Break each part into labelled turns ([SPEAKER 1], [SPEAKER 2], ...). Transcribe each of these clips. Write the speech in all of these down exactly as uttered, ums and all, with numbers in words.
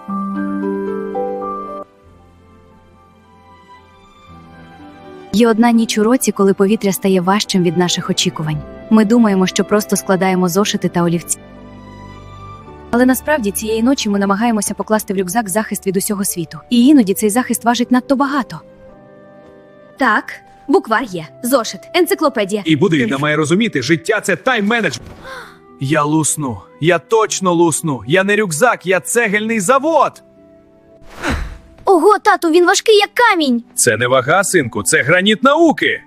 [SPEAKER 1] Є одна ніч у році, коли повітря стає важчим від наших очікувань. Ми думаємо, що просто складаємо зошити та олівці. Але насправді цієї ночі ми намагаємося покласти в рюкзак захист від усього світу. І іноді цей захист важить надто багато.
[SPEAKER 2] Так, буквар є, зошит, енциклопедія.
[SPEAKER 3] І будильна має розуміти, життя – це тайм-менеджмент. Я лусну. Я точно лусну. Я не рюкзак, я цегельний завод.
[SPEAKER 2] Ого, тату, він важкий як камінь.
[SPEAKER 3] Це не вага, синку, це граніт науки.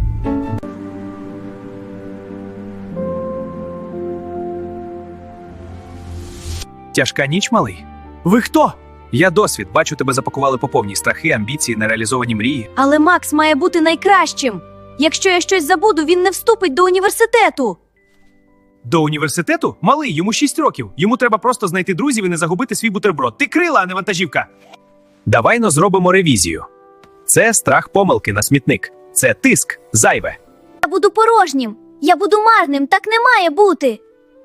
[SPEAKER 3] Тяжка ніч, малий? Ви хто? Я досвід. Бачу, тебе запакували по повній. Страхи, амбіції, нереалізовані мрії.
[SPEAKER 2] Але Макс має бути найкращим. Якщо я щось забуду, він не вступить до університету.
[SPEAKER 3] До університету? Малий, йому шість років. Йому треба просто знайти друзів і не загубити свій бутерброд. Ти крила, а не вантажівка. Давай-но зробимо ревізію. Це страх помилки на смітник. Це тиск, зайве.
[SPEAKER 2] Я буду порожнім. Я буду марним. Так не має бути.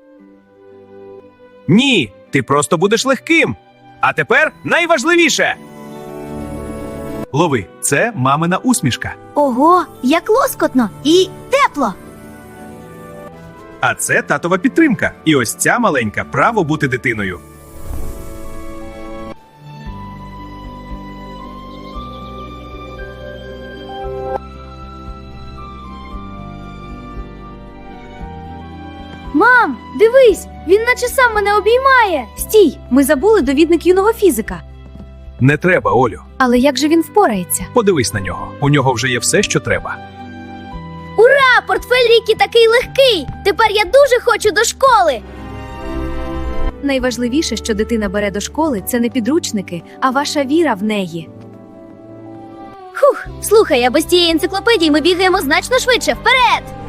[SPEAKER 3] Ні, ти просто будеш легким. А тепер найважливіше. Лови, це мамина усмішка.
[SPEAKER 2] Ого, як лоскотно і тепло.
[SPEAKER 3] А це татова підтримка. І ось ця маленька – право бути дитиною.
[SPEAKER 2] Мам, дивись, він наче сам мене обіймає.
[SPEAKER 1] Стій, ми забули довідник юного фізика.
[SPEAKER 3] Не треба, Олю.
[SPEAKER 1] Але як же він впорається?
[SPEAKER 3] Подивись на нього. У нього вже є все, що треба.
[SPEAKER 2] Ура, портфель Рікі такий легкий. Тепер я дуже хочу до школи.
[SPEAKER 1] Найважливіше, що дитина бере до школи, це не підручники, а ваша віра в неї.
[SPEAKER 2] Хух, слухай, а без тієї енциклопедії ми бігаємо значно швидше. Вперед!